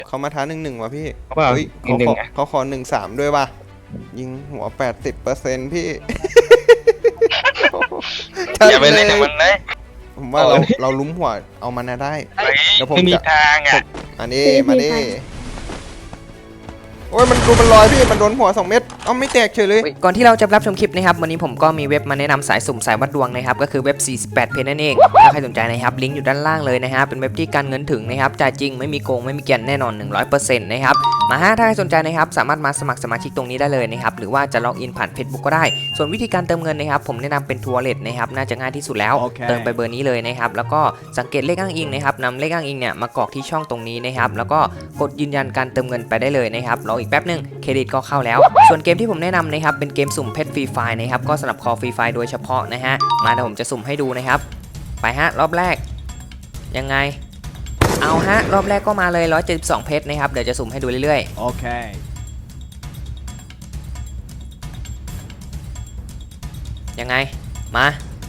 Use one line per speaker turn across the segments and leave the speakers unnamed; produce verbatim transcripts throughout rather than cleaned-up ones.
เขามาท้าหนึ่งหนึ่งว่ะพี่
เขาเปล่า
เฮ้ย
หนึ่งหนึ่ง
เขาขอเขาขอหนึ่งสามด้วยว่ะยิงหัวแปดสิบเปอร์เซ็นต์พี่
อย่าไปเล่นกับมันเลย
ผมว่าเราเราลุ้มหัวเอามันนะได้ เดี๋ยวผม
ไม่มี
จะ
ทางอ่ะ
มาดิมาดิโอ้ยมันดูมันลอยพี่มันโดนหัวสองเม็ดเอ้าไม่แตกเฉยเลย
ก่อนที่เราจะรับชมคลิปนะครับวันนี้ผมก็มีเว็บมาแนะนำสายสุ่มสายวัดดวงนะครับก็คือเว็บสี่สิบแปดเพจนั่นเองถ้าใครสนใจนะครับลิงก์อยู่ด้านล่างเลยนะฮะเป็นเว็บที่การเงินถึงนะครับจ่ายจริงไม่มีโกงไม่มีเกียนแน่นอน หนึ่งร้อยเปอร์เซ็นต์ นะครับมาฮะถ้าใครสนใจนะครับสามารถมาสมัครสมาชิกตรงนี้ได้เลยนะครับหรือว่าจะล็อกอินผ่าน Facebook ก็ได้ส่วนวิธีการเติมเงินนะครับผมแนะนำเป็นทัวร์เลทนะครับน่าจะง่ายที่สุดแล้ว
Okay.
เติมไปเบอร์นี้เลยนะครับแล้วก็สังเกตเลขอ้างอิงนะครับนำเลขอ้างอิงเนี่ยมากรอกที่ช่องตรงนี้นะครับแล้วก็กดยืนยันการเติมเงินไปได้เลยนะครับรออีกแป๊บนึงเครดิตก็เข้าแล้วส่วนเกมที่ผมแนะนำนะครับเป็นเกมสุ่มเพชรฟรีไฟล์นะครับก็สำหรับคอฟรีไฟล์โดยเฉพาะนะฮะมาเดี๋ยวผมจะสุ่มให้ดูนะครับไปฮะรอบแรกยังไงเอาฮะรอบแรกก็มาเลยหนึ่งร้อยเจ็ดสิบสองเพชรนะครับเดี๋ยวจะสุ่มให้ดูเรื่อยๆโอเคยังไงมา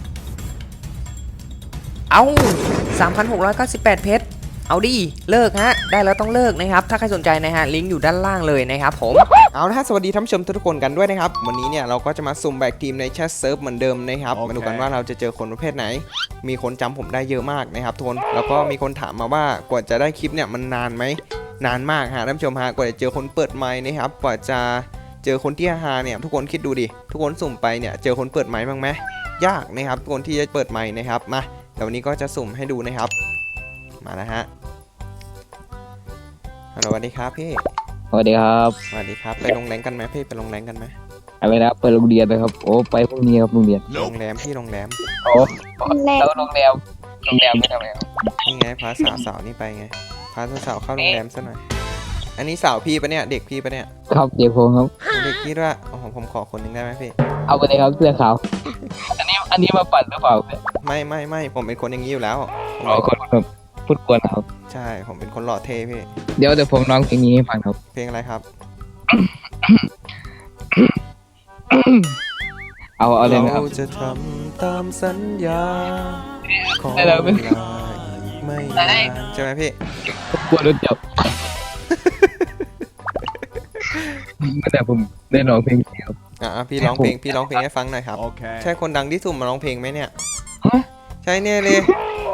เอา สามพันหกร้อยเก้าสิบแปด เพชรเอาดิเลิกฮะได้แล้วต้องเลิกนะครับถ้าใครสนใจนะฮะลิงก์อยู่ด้านล่างเลยนะครับผมเอาละสวัสดีท่านผู้ชมทุกคนกันด้วยนะครับวันนี้เนี่ยเราก็จะมาสุ่มแบกทีมในแชทเซิร์ฟเหมือนเดิมนะครับ okay. มาดูกันว่าเราจะเจอคนประเภทไหนมีคนจำผมได้เยอะมากนะครับทุกคนแล้วก็มีคนถามมาว่ากว่าจะได้คลิปเนี่ยมันนานไหมนานมากฮะท่านผู้ชมฮะกว่าจะเจอคนเปิดไมค์นะครับกว่าจะเจอคนที่ฮาเนี่ยทุกคนคิดดูดิทุกคนสุ่มไปเนี่ยเจอคนเปิดไมค์บ้างไหมยากนะครับทุกคนที่จะเปิดไมค์นะครับมาเดี๋ยววันนี้ก็จะสุ่มให้ดูนะครับมาแล้วฮะฮัลโหลสวัสดีครับพี่
สวัสดีครับ
สวัสดีครับไปโรงแรมกันไหมพี่ไปโรงแรมกันไหม
อะไรนะไปโรงเรียนนะครับโอ้ไปพรุ่งนี้ครับโรงเรียน
โรงแรมพี่โรงแรม
โอ้แล้วโรงแรมโรงแรมไม่ทำไมครับ
นี่ไงพาสาวสาวนี่ไปไงพาสาวเข้าโรงแรมซะหน่อยอันนี้สาวพี่ปะเนี่ยเด็กพี่ปะเนี่ย
ครับเด็กผมครับ
เด็กพี่ด้วยโอ้โหผมขอคนหนึ่งได้ไหมพี่
เอาไปเลยครับเสื้อขาวอันนี้อันนี้มาปั่นหรือเปล่า
ไม่ไม่ไม่ผมเป็นคนอย่างนี้อยู่แล้ว
อ๋อคนแบบพูดกวนครับ
ใช่ผมเป็นคนหล่อเท่พี่
เดี๋ยวเดี๋ยวผมร้องเพลงนี้ให้ฟังครับ
เพลงอะไรครับ
เอาเอาเลยนะครับ
เราจะทำตามสัญญาขอเวลาอีกไม่นานใช่ไหมพี่
กลัวรถจับไม่แต่ผมได้ร้องเพลงครับ
อ่ะพี่ร้องเพลงพี่ร้องเพลงให้ฟังหน่อยครับใช่คนดังที่สุ่มมาร้องเพลงไหมเนี่ยใช่เนี่ยเลย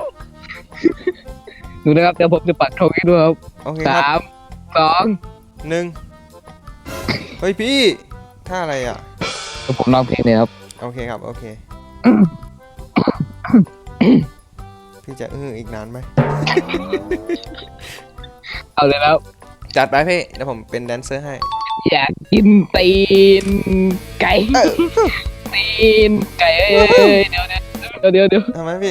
ดูนะครับเดี๋ยวผมจะปัดธงให้ด้วยครับสามสอง
หนึ่งเฮ้ยพี่ท่าอะไรอ่ะ
ผมร้องเพลงเลยครับ
โอเคครับโอเคพี่จะอื้ออีกนานไหม
เอาเลยแล้ว
จัดไปพี่เดี๋ยวผมเป็นแดนเซอร์ให้
อยากกินตีนไก่ตีนไก่เอ้ยเดี๋ยวเดี๋ยวเดี๋ยวเดี๋ยว
ทำไมพี่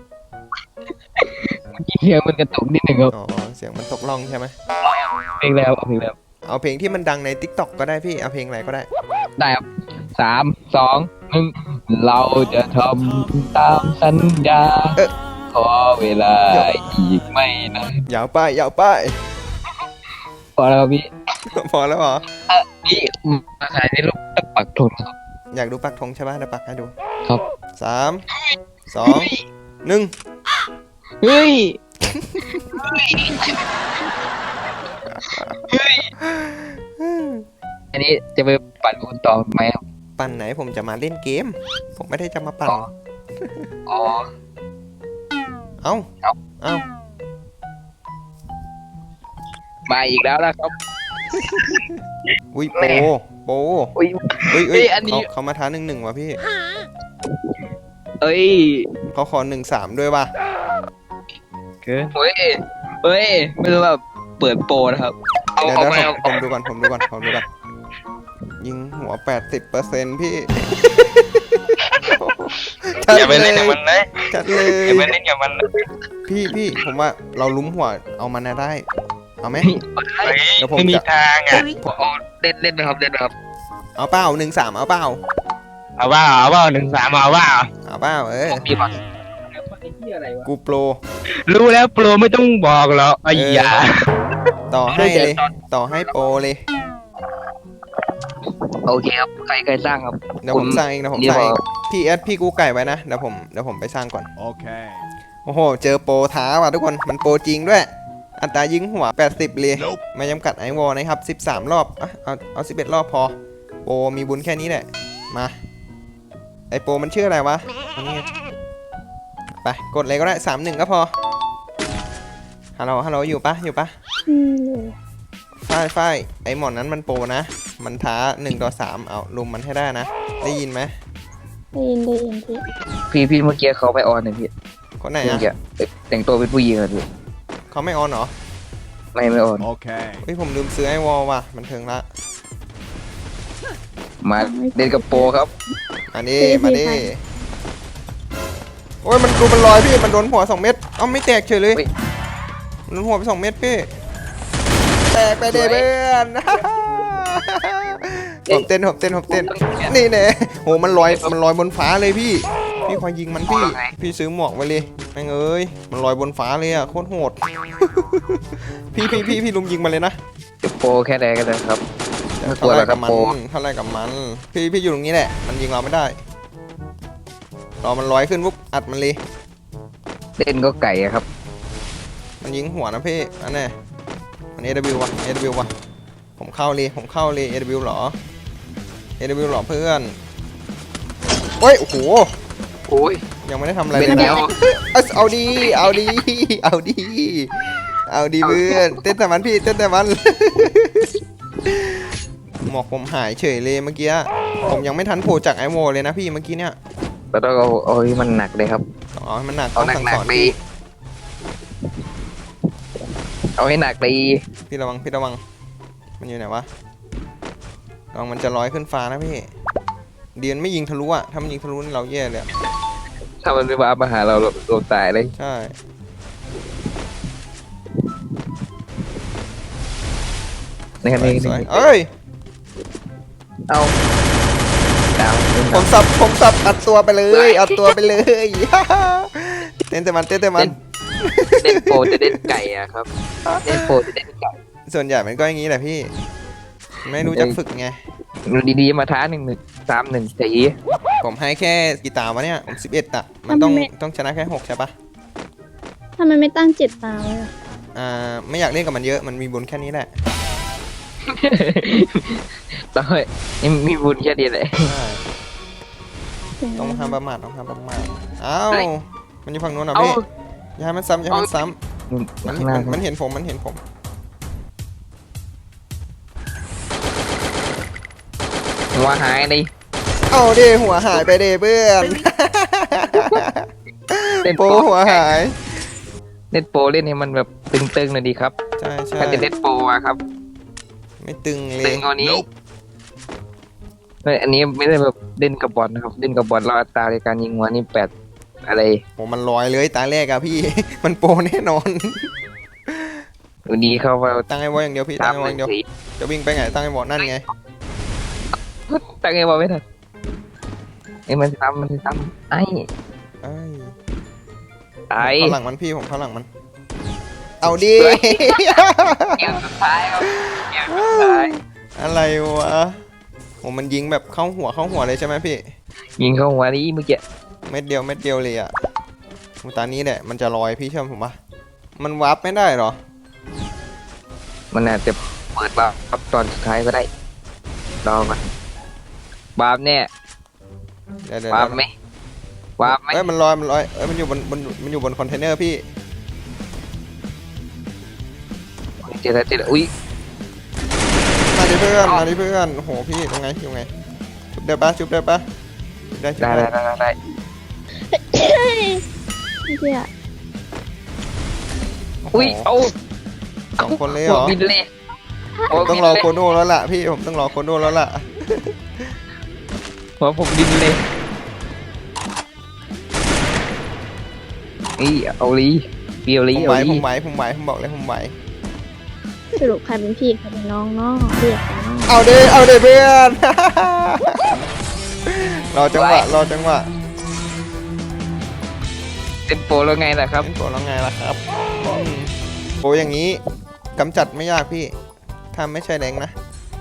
เสียงมันกระตุกนิดหนึ่งครับ
อ๋อเสียงมันตกล่องใช่ไหม
เพลงแล้วเอาเพลงแล้ว
เอาเพลงที่มันดังใน ติ๊กต็อก ก็ได้พี่เอาเพลงอะไรก็ได้
ได้ครับสามสองหนึ่งเราจะทำตามสัญญาขอเวลาอีกไม่นาน
ยาวไปยาวไป
พอแล้วครับพี่
พอแล้วเหรอ
พี่มาขายในรูปปักธงครับ
อยากดูปักธงใช่ป่ะเดี๋ยวปักให้ดู
ครับ
สามสองหนึ่ง
เฮ้ยอันนี้จะไปปั่นคุณต่อไหมครับ
ปั่นไหนผมจะมาเล่นเกมผมไม่ได้จะมาปั่น
อ๋อ
เอ้าเอ้าเอ้า
มาอีกแล้วนะครับ
อุ้ยโปโป
อุ้ย
เฮ้ยเฮ้ยเขาเขามาท้าหนึ่งหนึ่งว่ะพี่
เอ้ย
เขาขอหนึ่งสามด้วยว่ะ
เฮ้ยเฮ้ยไม่รู้แบบเปิดโปรนะครับ
เดี๋ยวเดี๋ยวผมดูก่อนผมดูก่อนผมดูก่อนยิงหัวแปดสิบเปอร์เซ็นต์พี่
อย่าไปเล่นกับมันเลย
จัดเลย
อย่าไปเล่นกับมัน
พี่พี่ผมว่าเราลุ้มหัวเอามันได้เอาไหม
เดี๋ยวผมไม่มีทางอ่ะ
เล่นเล่นนะครับเล่นนะครับ
เอาเปล่าหนึ่งสามเอาเปล่า
เอาเปล่าเอาเปล่าหนึ่งสามเอาเปล่า
เอาเปล่าเออกูโปร
รู้แล้วโปรไม่ต้องบอกหรอกไอ้ยา
ต่อให้เลยต่อให้โปรเลย
โอเคครับใครใครสร้างครับ
เดี๋ยวผมสร้างเองนะผมสร้างเองพี่เอสพี่กูไก่ไว้นะเดี๋ยวผมเดี๋ยวผมไปสร้างก่อนโอเคโอ้โหเจอโปรท้าว่ะทุกคนมันโปรจริงด้วยอัตรายิงหัวแปดสิบเลยไม่จำกัดไอวอลนะครับสิบสามรอบอ่ะเอาเอาสิบเอ็ดรอบพอโปมีบุญแค่นี้แหละมาไอโปมันชื่ออะไรวะอันนี้ไปกดเลยก็ได้สามหนึ่งก็พอฮัลโหลฮัลโหลอยู่ปะอยู่ปะ
อืม
ฝ้ายฝ้ายไอหมอนนั้นมันโปนะมันท้าหนึ่งต่อสามเอาลุมมันให้ได้นะได้ยินไหม
ได้ยินได้ยินพี่
พี่พี่เมื่อกี้เขาไปออนเลยพี่
คนไหน
เมื่อ
อะ
กี้แต่งตัวเป็นผู้หญิงอะพี่
เขาไม่ออนเหรอ
ไม่ไม่ออน
Okay.
เฮ้ยผมลืมซื้อไอวอลว่ะมันถึงละ
มาเล่นกับโปรครับ
มาดิมาดิโอ้ยมันดูมันลอยพี่มันโดนหัวสองเม็ดเอ้าไม่แตกเฉยเลย
เฮ้ย
มันโดนหัวไปสองเม็ดพี่แตกไปเด้เพื่อนผมเต้นผมเต้นผมเต้นนี่เน่โหมันลอยมันลอยบนฟ้าเลยพี่พี่คอยยิงมันพี่พี่ซื้อหมวกไว้เลยแม่งเอ้ยมันลอยบนฟ้าเลยอะโคตรโหดพี่พี่พี่พี่ลุมยิงมันเลยนะ
โปรแค่ไหนกันนะครับไม่กลัว
เท่า
ห
ไร
รอกค
กั
รั
บบ มัน
โปร
เท่าไรกับมันพี่พี่อยู่ตรงนี้แหละมันยิงเราไม่ได้รอมันลอยขึ้นปุ๊บอัดมันเลย
เล่นก็ไก่อะครับ
มันยิงหัวนะพี่อันนี้มัน เอ ดับเบิลยู วะ เอ ดับเบิลยู วะผมเข้าเลยผมเข้าเลย เอ ดับเบิลยู หรอ เอ ดับเบิลยู หรอเพื่อนโอ้ยโอ้โห
โอ้ย
ยังไม่ได้ทำอะไร
เป็
เลย
นแนว
เอาเอาดีเอาดีเอาดีเอาดีเพื่อนเต้นแต่มันพี่เต้นแต่มัน หมอกผมหายเฉยเลยเมื่อกี้ผมยังไม่ทันโผล่จากไอโวเลยนะพี่เมื่อกี้เนี่ย
เราต้องเอาเอาให้มันหนักเลยครับ
ต้องเอาให้มันหนัก
เอา
ต้อง
หนัก
สั่ง
ห
ส
นั
อก น
ดี
พี่
เอาให้หนักดี
พี่ระวังพี่ระวังมันอยู่ไหนวะลองมันจะลอยขึ้นฟ้านะพี่เดียนไม่ยิงทะลุอะถ้ามันยิงทะลุนี่เราแย่เลยอะ
ถ้ามันไม่มามาหาเราเราเราตายเลย
ใช่
ในคันนี้
สวยเอ้ย
เอาดาว
ผมสับผมสับอัดตัวไปเลยอัดตัวไปเลย เต้นแต่มันเต้นแต่มัน
เล่นโปรจะเล่นไก่อะครับเล่นโปรจะเล่นไก่
ส่วนใหญ่มันก็อย่างนี้แหละพี่ไม่รู้จักฝึกไง
ดีๆมาท้าหนึ่งหนึ่งสามหนึ่งสี
ผมให้แค่กีตาร์วะเนี่ยผมสิบเอ็ดอะมันต้องต้องชนะแค่หกใช่ปะ
ทำไมไม่ตั้งเจ็ดตาเลยอะ
อ่าไม่อยากเล่นกับมันเยอะมันมีบุญแค่นี้แหละ
ต้องให้มีบุญแค่ดีเลย
ใช่
เสียง
ต้อง
อะไร
ห้ามประมาทต้องห้ามประมาทอ้าว
เฮ้ย
มันอยู่ฝั่งนู้นเหรอ
เอา
พี่อย่าให้มันซ้ำอย่าให้มันซ้ำมัน
ข้างหน้า
มันมันเห็นผมมันเห็นผม
หัวหายเลย
เอาดิหัวหายไปเดเพื่อน
เล่น
โป
โปร
หัวหาย
เล่นโปรเล่นให้มันแบบตึงๆหน่อยดีครับ
ใช่ใช่
ถ้าจะเล่นโปรอะครับ
ไม่ตึงเล
ตึ
ย
งกว่านี้ไม่อันนี้ไม่ได้แบบเล่นกับบอลนะครับเล่นกับบอลเราอัตราในการยิงหัวนี่แปดอะไร
โหมันลอยเลยตาแรกอะพี่ มันโปรแน่นอน
วันนี้เข้ามา
ตั้งไอ้วออย่างเดียวพี่
สา
ตั้
ม
งไอ้วอ
ห
อ
นึ่
ย่าง งเดียว
สี
จะวิ่งไปไงตั้งไอ้วอนั่นไง
ตั้งไงบอกไม่ทันไอ้ยมันซ้ำมันซ้ำไอ้
เอ้ย
ไอ้
ผมเข้าหลังมันพี่ผมเข้าหลังมัน เอาดิ
เกมสุดท้ายครับเกมสุดท้าย
อะไรวะโหมันยิงแบบเข้าหัวเข้าหัวเลยใช่ไหมพี่
ยิงเข้าหัวนี่เมื่อกี้
เม็ดเดียวเม็ดเดียวเลยอะโหตอนนี้แหละมันจะลอยพี่เชื่อผมปะมันวาร์ปไม่ได้เหรอ
มันอาจจะเปิดบาร์ปตอนสุดท้ายก็ได้รอก่อนบาร์ปเนี่ย
เดี๋ยวเดี๋ยว
บาร์ปไหมบาร์ปไหม
เอ้ยมันลอยมันลอยเอ้ยมันอยู่บนบนมันอยู่บนคอนเทนเนอร์พี่
เจอแล้วเจอแล้วอุ้ย
มาดิเพื่อนมาดิเพื่อนโอ้โหพี่ตรงไงอยู่ไงชุบได้ปะชุบได้ปะชุบได้ชุบ
ได้
ได้
ได้ได้ได้
เหี้ย
อุ้ยเอา
สองคนเลยเหรอ
บินเลย
ผมต้องรอโคโน่แล้วล่ะพี่ผมต้องรอโคโน่แล้วล่ะ
หัวผมบินเลยนี่เอาลีเปียว
ผ
ลี
ม
เอา
ไหว
ลี
ผมไหวผมไหวผมบอกเลยผมไหว
สรุปใครเป็นพี่ใครเป็นน้องเนาะเรียกกันเนาะ
เอาเด้เอาเด้เพื่อน รอจังหวะรอจังหวะ
เป็นโปรแล้วไงล่ะครับ
เป็นโปรแล้วไงล่ะครับอืมโปรอย่างนี้กำจัดไม่ยากพี่ถ้าไม่ใช่แรงนะ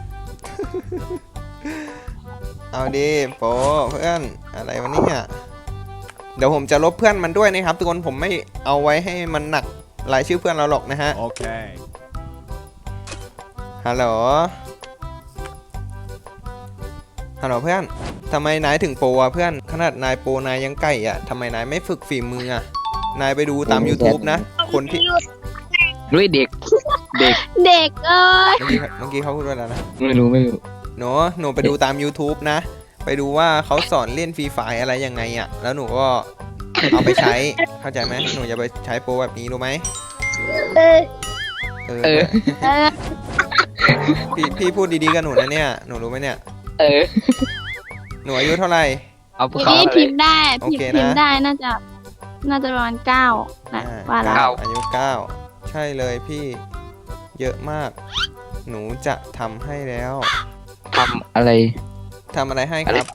เอาดิโปรเพื่อนอะไรวะเนี่ยเดี๋ยวผมจะลบเพื่อนมันด้วยนะครับทุกคนผมไม่เอาไว้ให้มันหนักรายชื่อเพื่อนเราหรอกนะฮะ
Okay.
ฮัลโหลฮัลโหลเพื่อนทำไมนายถึงโปรอะเพื่อนขนาดนายโปรนายยังไก่อะทำไมนายไม่ฝึกฝีมืออะนายไปดูตาม YouTube นะคนที่
ด้วยเด็ก เด็ก
เด็กเอ้ย
เมื่อกี้เมื่อกี้เขาพูดว่าอะไรนะ
ไม่รู้ไม่รู้
หนูหนูไปดูตาม YouTube นะ ไปดูว่าเขาสอนเล่นฟรีไฟอะไรยังไงอะแล้วหนูก็เอาไปใช้เข้าใจไหมหนูจะไปใช้โปรแบบนี้รู้ไหม
เออ
เออ
เออ
เออ
พี่พี่พูดดีๆกับหนูนะเนี่ยหนูรู้ไหมเนี่ย
เออ
หนูอายุเท่าไหร่
เอา
ที
เขา
นี้
อะไร
พิมพ์ได้
โอ
พิม
เค
พ์
นะ
พิมพ์ได้น่าจะ น่าจะประมาณเก้านะ
อ่า
ว่าแล้ว
เก้าอายุเก้าใช่เลยพี่เยอะมาก หนูจะทำให้แล้ว
ทำอะไร
ทำอะไรให้ครับ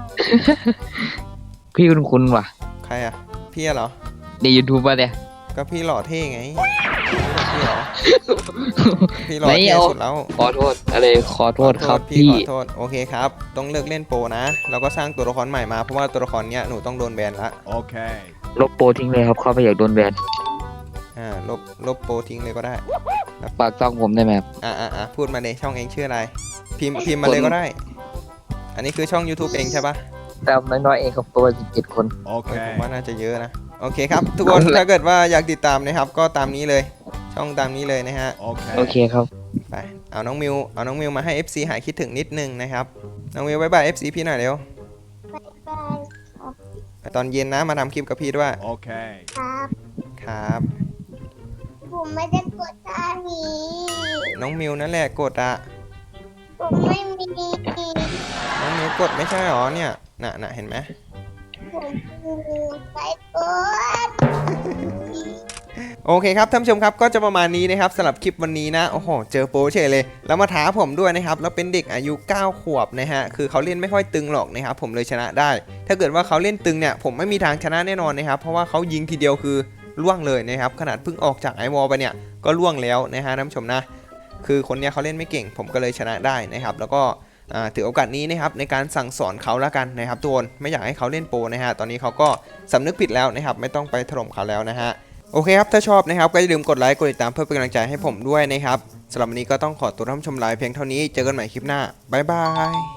พี่คุณคุณว่ะ
ใครอะพี่อะเหรอ
ในยูทูบป่ะเนี่ย
ก็พี่หล่อเท่ไงพี่เหรอพี่หล่อ
ไม่
เท่
เอา
สุดแล้ว
ขอโทษอะไรขอโทษครับ
พี่
พี่
ขอโทษโอเคครับต้องเลิกเล่นโปรนะเราก็สร้างตัวละครใหม่มาเพราะว่าตัวละครเนี้ยหนูต้องโดนแบนละ
Okay.
ลบโปรทิ้งเลยครับเขาไม่อยากโดนแบน
อ่าลบลบโปรทิ้งเลยก็ได้
ปากต้องผมได้ไหมครับ
อ่าอ่าอ่าพูดมาเลยช่องเองชื่ออะไร พิมพ์พิมพ์มาเลยก็ได้ อันนี้คือช่อง YouTube เองใช่ปะ
แต่น้อยๆเองครับตัวสิบเจ็ดคน
เอ้ยผม
Okay.
ว่าน่าจะเยอะนะโอเคครับ ทุกคนถ้าเกิดว่าอยากติดตามนะครับก็ตามนี้เลยช่องตามนี้เลยนะฮะ
Okay.
โอเคครับ
ไปเอาน้องมิวเอาน้องมิวมาให้ เอฟ ซี หายคิดถึงนิดนึงนะครับน้องมิวบายบาย เอฟ ซี พี่หน่อยเร็วตอนเย็นนะมาทำคลิปกับพี่ด้วย
Okay.
ครับ
ครับ
ผมไม่ได้กดท่านี้
น้องมิวนั่นแหละกดอะ
ผมไม่มี
น้องมิวกดไม่ใช่หรอเนี่ยน่ะน่ะเห็นไหม
ผมมีไปกด
โอเคครับท่านผู้ชมครับก็จะประมาณนี้นะครับสำหรับคลิปวันนี้นะโอ้โหเจอโปรเฉยเลยแล้วมาท้าผมด้วยนะครับแล้วเป็นเด็กอายุเก้าขวบนะฮะคือเขาเล่นไม่ค่อยตึงหรอกนะครับผมเลยชนะได้ ถ้าเกิดว่าเขาเล่นตึงเนี่ยผมไม่มีทางชนะแน่นอนนะครับเพราะว่าเขายิงทีเดียวคือล่วงเลยนะครับขนาดเพิ่งออกจากไอวอลไปเนี่ยก็ล่วงแล้วนะฮะท่านผู้ชมนะคือคนเนี้ยเขาเล่นไม่เก่งผมก็เลยชนะได้นะครับแล้วก็อ่าถือโอกาสนี้นะครับในการสั่งสอนเขาแล้วกันนะครับทุกคนไม่อยากให้เขาเล่นโปรนะฮะตอนนี้เขาก็สำนึกผิดแล้วนะครับไม่ต้องไปถล่มเขาแล้วนะฮะโอเคครับถ้าชอบนะครับก็อย่าลืมกดไลค์กดติดตามเพื่อเป็นกำลังใจให้ผมด้วยนะครับสำหรับวันนี้ก็ต้องขอตัวท่านผู้ชมลาไปเพียงเท่านี้เจอกันใหม่คลิปหน้าบ๊ายบาย